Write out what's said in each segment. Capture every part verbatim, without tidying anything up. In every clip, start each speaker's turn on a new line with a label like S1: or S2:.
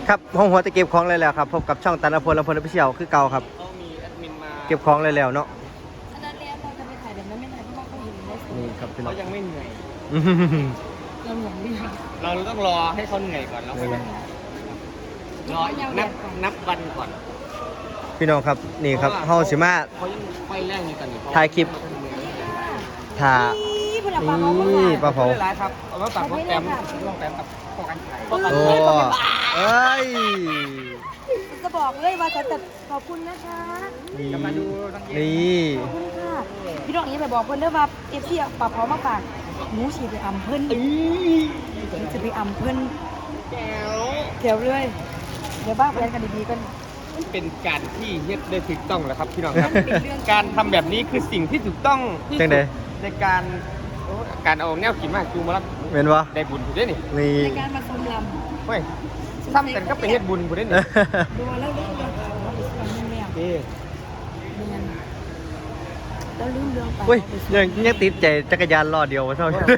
S1: ครับห้องหัวจะเก็บของเลยแล้วครับพบกับช่องตันอภรณ์อภรณ์พิเชียวคือเก่าครับเก็บของเลยแล้วเนาะ
S2: อันนั้นแล้วเราจะไปถ่ายแบบนั้นไม่ถ่ายเพราะว่าเขาเห็นในส
S1: นี่ครับพี่น้อ
S3: เขา
S1: ง
S3: ยังไม่เหนื่อย
S2: เราหลงดีค่ะ
S3: เราต้องรอให้เขาเหนื่อยก่อนแล้วค่อยรออีกนับนับวันก่อน
S1: พี่น้องครับนี่ครับเฮาสิมา
S3: เขายังไฟแรงอยู่ตอนนี้
S1: ถ่ายคลิปถ่า
S2: นี่พลังปลาเขา
S1: นี่ปลาเผา
S3: ไม่เป็นไรครับเอามาตัดพวกแต้มพวกแต้มกับพวกกันไข่พวกกัน
S1: โอ้
S3: ไข่
S1: เอ้ย
S2: จะบอกเลยว่าจะแต่ขอบคุณนะคะ
S1: นี่
S3: จะมาดูนักเรียน
S1: นี่
S2: ขอบคุณค่ะพี่น้องนี้ไปบอกเพื่อนเด้อว่าเอฟซีปลาเผามาฝากหมูฉีดไปอ่ำเพิ่นจะไปอ่ำเพิ่น
S3: แก้ว
S2: เขียวเลยเดี๋ยวบ้าแฟนกันดีๆกัน
S3: มันเป็นการที่เฮ็ดได้ถูกต้องแล้วครับพี่น้องครับ
S2: มันเป็นเรื่อง
S3: การทำแบบนี้คือสิ่งที่ถูกต้องที่
S1: จัง
S3: สุ
S1: ได๋
S3: ดในการการเอาแนวกินมาจูมารับ
S1: แม่นบ่
S3: ได้บุญผู้ได้นี่
S1: นี่
S2: ในการมาชมล
S3: เฮ้ยซ้ำกันก็ไปเฮ็ดบุญผู้ได้นี่
S2: ำดูแล้วเรื่องเรื่องเราไปสวนนึงแล้ว
S3: เอ้
S2: เรียนแล้วลืมเรื่องไป
S1: เฮ้ยยังยังติดใจจักรยานล้อเดียววะเท่า
S3: แตกมาก
S2: ฉะ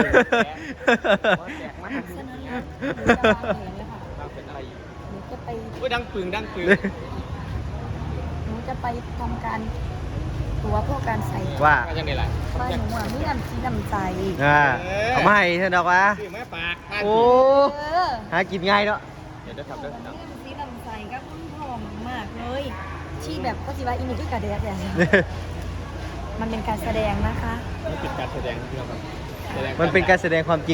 S2: นั้นแล้วหนูจะวางแผนเลยค่ะ
S3: เป็นอะไรอยู่
S2: หนูจะไป
S3: โอ้ยดังปึงดังปึง
S2: หนูจะไปทำการตัวพวกการใส่
S1: ว่า
S3: ว่าจังได๋ล่ะ
S2: บ้านหนูอ่ะมีน้ำชีน้ำใจ
S1: อ่าเอามาให้เถอะดอกวะ
S3: ซื้อมาฝากบ้าน
S1: โอ้
S2: เออ
S1: หากินง่ายเนาะ
S3: เดี๋ยวเดี๋ยวครับเดี๋ยว
S2: มี
S3: เดี๋ยว
S2: น้ำชีน้ำใจก็หอมมากเลยชีแบบก็สิว่าอินี่คือกระเดียดเนี่ยมันเป็นการแสดงนะคะ
S3: นี่เป็นการแสดงที่เราครับแสดง
S1: มันเป็นการแสดงความจริง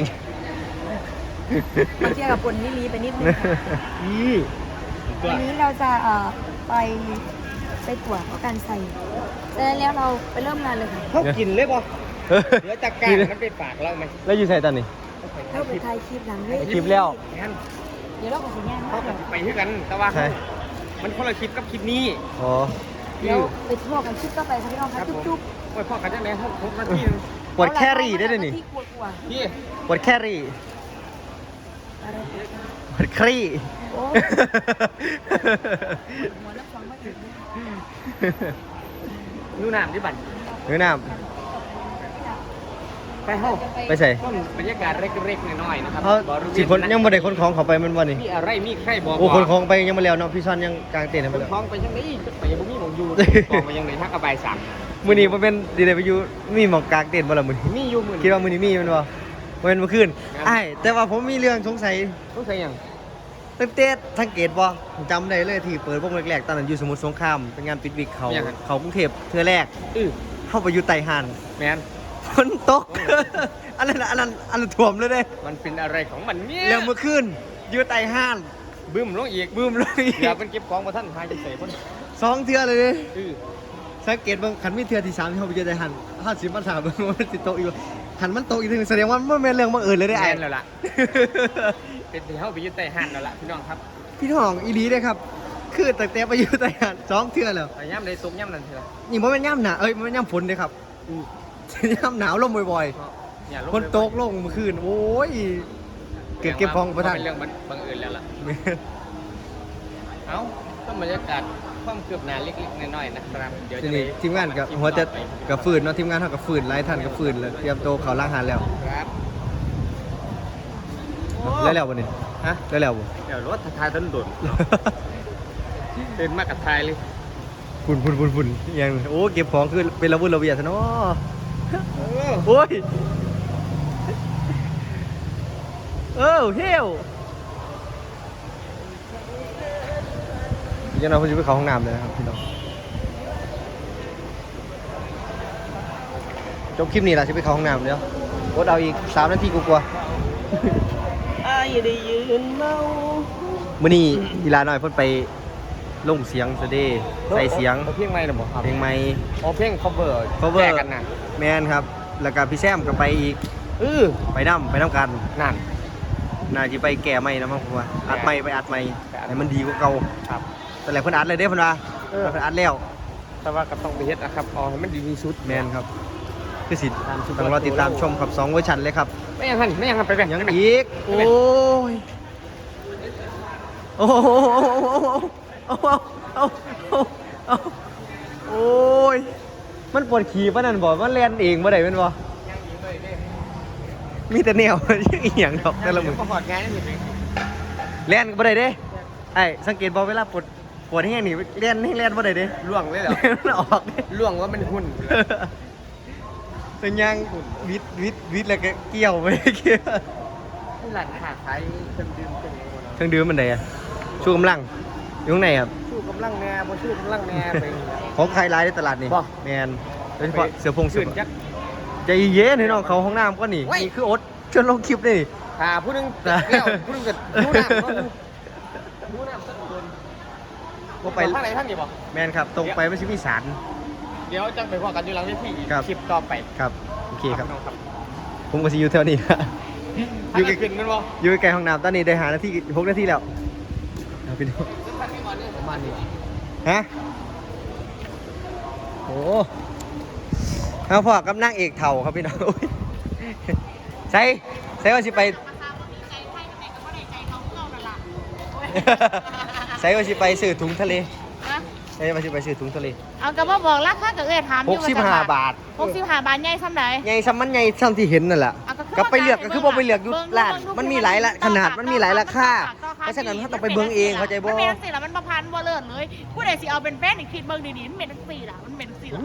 S2: มันเทียบกับคนที่มีไปนิดนึงค่ะ
S3: อือตัว
S2: วันนี้เราจะเอ่อไปไปตรวจการใส่เสร็จแล้วเราไปเริ่มงานเลยค่ะ
S3: เขากินเลยป่ะเหลือจากการมันไปฝากเราไหม
S1: แล้วอยู่ใส่ตอนนี้
S2: เข้าไปถ่ายคลิปหลังเลย
S1: คลิปแล้ว
S3: งั้น
S2: เดี๋ยวเราก็สัญญาณ
S3: เขา
S2: ว่า
S3: ไปด้วยกันแต่ว่า
S1: ใช่
S3: มันคนละคลิปกับคลิปนี้
S1: อ๋อ
S2: เดี๋ยวไปทั่วกันคลิปก็ไปค่ะพี่น้องค่ะจุ๊บ
S3: โอ้ยพ่อกันจังได๋หกหกนาที
S2: ๆ
S1: ปวดแครี่ได้เลยนี่
S2: ที่กลัว
S3: พี่
S1: ปวดแครี่
S2: ๆอะไร
S1: ปวดครี่
S2: โอ้หัวน้ำฟังมาถึง
S3: นู่นน้ำที่บั่น
S1: เนื้อน้
S3: ไปห้อง
S1: ำไปใส่
S3: ต้นบรรยากาศเล็กๆน้อยๆนะครับ
S1: เขาสิคนยังบ่ได้คนของเขาไปมันวันนี้
S3: มีอะไรมีใครบอก
S1: โอ้คนของไปยังไม่แล้วเนาะพี่ซอนยังกลางเต็นท์ให้
S3: ค
S1: ไป
S3: น
S1: แล้ว
S3: ท้องไปยังไงไปยังบ่มีหมองอยู่กองไปยังไหนทักกระบายสาม
S1: มื้อนี้บ่เป็นดีได้ไปอยู่มีหมองกลางเต็นท์บ่ล่ะมื้อนี้
S3: มีอยู่มื้อ
S1: คิดว่ามื้อนี้มีแมันบ่บ่แม่นเมื่อคืนอ้ายแต่ว่าผมมีเรื่องสงสัย
S3: ต้องใส่หยัง
S1: ตั้งแต่สังเกตบ่จำได้เลยที่เปิดวงแรกๆตอนนั้นอยู่สมุทรสงครามเป็นงานปิดวิกเขาเขากรุงเทพเทื่อแรก
S3: อื้อ
S1: เข้าไปอยู่ไต้หาน
S3: แมน
S1: ฝนตก อันนั้นอันนั้นอันนั้นท่วมเลยเด้
S3: มันเป็นอะไรของมันเนี่ย
S1: แล้วเมื่อคืนอยู่ไต้หาน
S3: บึ้มลงอีก
S1: บึ้มเลย
S3: เดี๋ยวเป็นเก็บของมาท่านหายใจใส่คน
S1: สองเทื่อเลยเด้
S3: อื้อ
S1: สังเกตเบิ่งคันมีเทื่อที่สามที่เขาไปเจอไต้หานห้าสิบมาถามเบิ่งว่ามันสิตกอีกบ่คันมันตกอีกทีหนึงแสดงว่ามันบ่แม่นเรื่องบังเอิญเลยเด้
S3: แม
S1: ไอ้
S3: นแล้วล่ะเป็นที่เฮาไปยึดใต้ห้านแล้วล่ะพี่น้องครับ
S1: พี่น้องอีหลีเด้ครับ คือตั้งแต่ไปอยู่ไต้หานสองเทื่อแล้ว
S3: ไปย่ำใดตกย่ำนั่นเถอะ
S1: นี่บ่แม่นย่ำหนาเอ้ยบ่แม่นย่ำฝนเด้ครับ
S3: อื้อ
S1: ย่ำหนาวลมบ่อย
S3: อย่าลง
S1: ๆฝนตกลงเมื่อคืนโอ้ยเก็บเก็บของบ่ทัน
S3: เป็นเรื่องบังเอิญแล้วล่ะ เอ้าก็บรรยากาศความคืบหน้าเล็กๆน้อยๆนะครับเดี๋ยว
S1: ที
S3: จะ
S1: นี้ทีมงานกับหัวจะกับฟืนเนาะทีมงานเท่ากับฟืนหลายท่านกับฟืนแล้วเตรียมโตวเขาล้างหานแล้ว
S3: ครับ
S1: แล้วแล้วบ่นี่
S3: ฮะ
S1: แล้วแล้วบ่
S3: เดี๋ยวรถทายต้นโดนเดินมากับทายเลย
S1: ฝุ่นฝุ่นฝุ่นฝุ่นอยังโอ้เก็บของคือเป็นระบุระเบียดซะเนาะ
S3: เออ
S1: โอ้ยเออเฮียวยังเราคนจะไปเข้าห้องน้ำเลยนะครับพี่น้องจบคลิปนี้ล่ะจะไปเข้าห้องน้ำเดี๋ยวกดเอาอีกสามนาทีกูกลัว
S3: อายได้ยืนเมา
S1: มื้อนี้อีหลาน้อยเพิ่นไปลงเสียงซะเด้ใส่เสียง
S3: เพลงใหม่หรือเปล่าครับ
S1: เพลงใหม่
S3: อ๋อเพลง cover
S1: cover
S3: แยกกันนะ
S1: แมนครับ แล้วก็พี่แซมก็ไปอีก
S3: เออ
S1: ไปน้ำไปน้ำกัน
S3: นั่น
S1: น่าจะไปแก่ไม่นะมั้งผมว่าอัดไม่ไปอัดไม่
S3: ไปอัด
S1: ให้มันดีกว่าเก่า
S3: ครับ
S1: แต่แหละเพิ่นอัดเลยเด้เพิ่นว่า
S3: เออ
S1: เพิ่นอัดแล้ว
S3: แต่ว่าก็ต้องไปเฮ็ดนะครับเอาให้มันดีที่สุด
S1: แมนครับคือสิ
S3: ตามชุด
S1: ต้องรอติดตามชมครับสองเวอร์ชันเลยครับ
S3: ไม่ยังหันไม่ยังหันไปแบ่ง
S1: ยัง
S3: ไปแบ่
S1: อีก
S3: ไป
S1: โอ้
S3: แบ่ง
S1: ยโอ้โหโอ้โหโอ้โหโอ้ยมันปวดขี่ปะนั่นบ่มันแล่นเองบ่ได้แม่นบ่มีแต่แนว ยังอีหยังดอกแต่ละมื้อ
S3: ก็หอดงานนี่สิ
S1: แล่นก็บ่ได้เด้
S3: แ
S1: ไอ้สังเกตบอเวลาปวดปวดแห้งนี่เลียนให้เลียนบ่ได้เด้
S3: ล่วงเลยเหรอ
S1: มันออกเด้
S3: ล่วงว่ามันหุ่น
S1: เป็นยังวิดวิดวิดแล้วก็เกี่ยวไปเกี่ยว
S3: ที่หลานขาขายเครื่องดื่มเป็นยังไง
S1: เครื่องดื่มมันไหนอะชูกำลังอยู่ข้างในครับ
S3: สู้กำลังแน่บ่สู้กำลังแน่ไป
S1: ของใครร้ายในตลาดนี่
S3: บ่
S1: แมนโดยเฉพาะเสือพงเสื
S3: ขึ้
S1: อน
S3: จัก
S1: ใจเย็นให้น้องเขาห้องน้ำก็นี่
S3: เว้ย
S1: นี่คือโอ๊ตชวนลงคลิปนี่
S3: หาผู้หนึงเลี้ยวผู้หนึงก็รู้น้ำก็คือรู้น้ำสักคน
S1: ก็ไป
S3: ไปทางไหนทางนี้บ่
S1: แมนครับตรงไปไม่ใช่มีสาร
S3: เดี๋ยวจังไปพอกันอยู่หลังเวทีอีก
S1: ครับ
S3: คลิปต่อไป
S1: ครับโอเคครับ
S3: พี่น้องครับ
S1: ผมก็สิอยู่แถวนี้
S3: อ
S1: อยู่
S3: ยู่
S1: ใกล้
S3: ขึ้นกันบ่
S1: อยู่ใกล้ห้องน้ำตอนนี้ได้หานาทีหกนาทีแล้วเอาไปดู
S3: ประมาณนี้
S1: ฮะโอ้เอาพ่อกับนางเอกเถ่าครับพี่น้อง โอ้ยใช่ใช่ว่าสิไป ใส่ว่าสิไปซื้อถุงทะเลใส่ว่าสิไปซื้อถุงทะเล
S4: เอากระบอกบอกราคากับเอ้ยถามอ
S1: ห
S4: ยู่
S1: กสิบห้าบาท
S4: หกสิบห้าบาทใหญ่ซ้ำไหน
S1: ใหญ่ซ้ำมันใหญ่ซ้ำที่เห็นนั่นแหละ
S4: เอาก็คือ
S1: ก็ไปเลือกก็คือบ่ไปเลือกอยุ
S4: เบิ่ง
S1: ร้าน
S4: เบิ่ง
S1: มันมีหลายละ
S4: เบิ่ง
S1: ขนาดมันมีหลายราคา
S4: ต่อ
S1: เพราะฉะนั้นถ้าต้องไปเบิ่งเองเข้าใจบ่
S4: มันเป็นจังสี่ละมันประพันธ์บ่เลิศเลยผู้ใดสิเอาเป็นแฟนอีกคิดเบิ่งดีๆมันเป็นจังสี่ละมันเป็นจังสี่ละ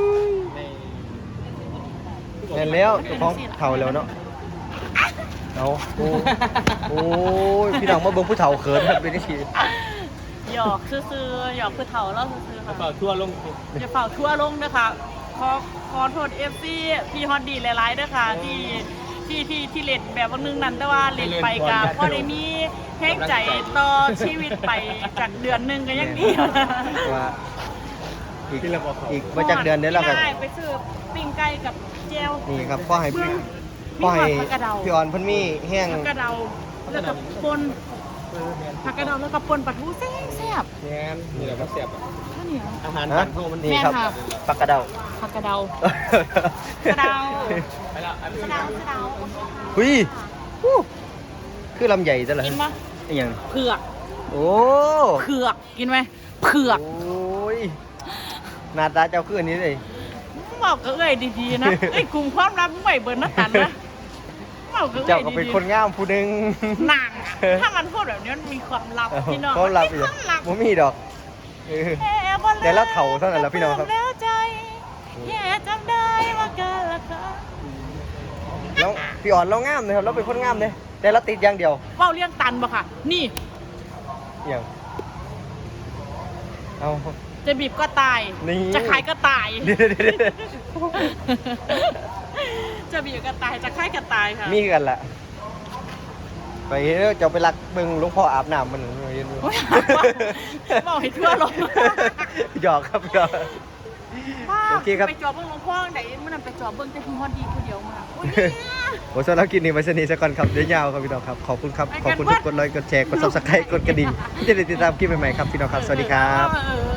S1: เห็นแล้วเจ้าของเถ่าแล้วเนาะเอาโอ้โอ้ยพี่น้องมาเบิ่งผู้เฒ่าเขินครับเป็นจังซี่
S4: หยอกซื่อๆหยอกคือเฒ่าแล้วซื่อๆค่ะ
S3: เป่าทั่วลง
S4: อย่าเป่าทั่วลงนะคะขอขอโทษ เอฟ ซี พี่ฮอตดีหลายๆด้วยค่ะที่ที่ที่ที่เล่นแบบวันนึงนั้นแต่ว่าเล่นไปกับพอได้มีแห้งใจต่อชีวิตไปจากเดือนหนึงก็ยังดี
S1: ว่าอีกอีกมาจากเดือนเดี๋ยวเราก็
S4: ได้ไปซื้อปิ้งไก่กับเจล
S1: นี่ครับพ่อให้พี่
S4: มี
S1: พ่อให้
S4: ผักกระเดา
S1: พี่ออนเพิ่นมีแห้ง
S4: ผักกระเดาแล้วก็ปนผักกระเดาแล้วก็ปนปลาทูแซ่บแซ่บ
S3: แง่นนี่แหละครับเสียบ
S4: ข้าวเหนียว
S3: อาหาร
S1: ฮะ
S3: บ้านเฮามัน
S1: นี่ครับ
S4: แม่ค่ะ
S1: ปลากระเดา
S4: ผักกระเดา กระเดา
S3: ไปแล้วอันนี้
S4: กระเดากระเดา
S1: หุยฮู้คือลำใหญ่ซะเหรอ
S4: กินปะ
S1: อหย่าง
S4: เผือก
S1: โอ้
S4: เผือกกินไหมเผือก
S1: โอ้ยหน้าตาเจ้าคืออันนี้เลย
S4: บอกกับเอ้ยดีๆนะ เอ้ยกลุ่มความลับมึงไหวเบิร์นนักกันนะบอกกับเอ้ยดีๆ
S1: เจ้าก็เป็นคนงามผู้หนึง
S4: หนังถ้ามันพูดแบบนี้มันมีความลับพี่น้อง
S1: เขาลับ
S4: มัน
S1: อ
S4: มี
S1: ยู่
S4: ความลับ
S1: บ่มีดอกเออ แต่ละเถ่าเท่านั้นแหละพี่น้องครับ
S4: แล้วใจแย่จำได้ว่ากันละค่ะ
S1: แล้วพี่อ่อนเรางามเลยครับเราเป็นคนงามเลยแต่เราติดอย่างเดียว
S4: เว้าเรื่องตันบ่ค่ะ นี่
S1: อหย่างเอา
S4: จะบีบก็ตาย
S1: นี่
S4: จะขายก็ตาย
S1: เดี๋ยวเดี๋ยวเดี๋ยว
S4: จะบีบก็ตายจะขายก็ตายค่ะ
S1: มีกันแหละไปเด้อเจ้าไปรักเบิ่งหลวงพ่ออาบน้ำมันเห็นบ่
S4: โอ้ยบอกให้ทั่วโลก
S1: หยอกครับหยอก โอเคครับ
S4: ไปจอบเบิ้งหลวงพ่อไหนมันนำไปจอบเบิ้งแต่คุณฮอดดีคนเดียวมาโอ้ยเนี่ย
S1: โอ้สำหรับคลิปนี้ไว้สนิทสักก่อนครับเดี๋ยวยาวครับพี่น้องครับขอบคุณครับขอบคุณทุกกดไลค์กดแชร์กดซับสไครต์กดกระดิ่งที่จะได้ติดตามคลิปใหม่ๆครับพี่น้องครับสวัสดีครับ
S4: เออ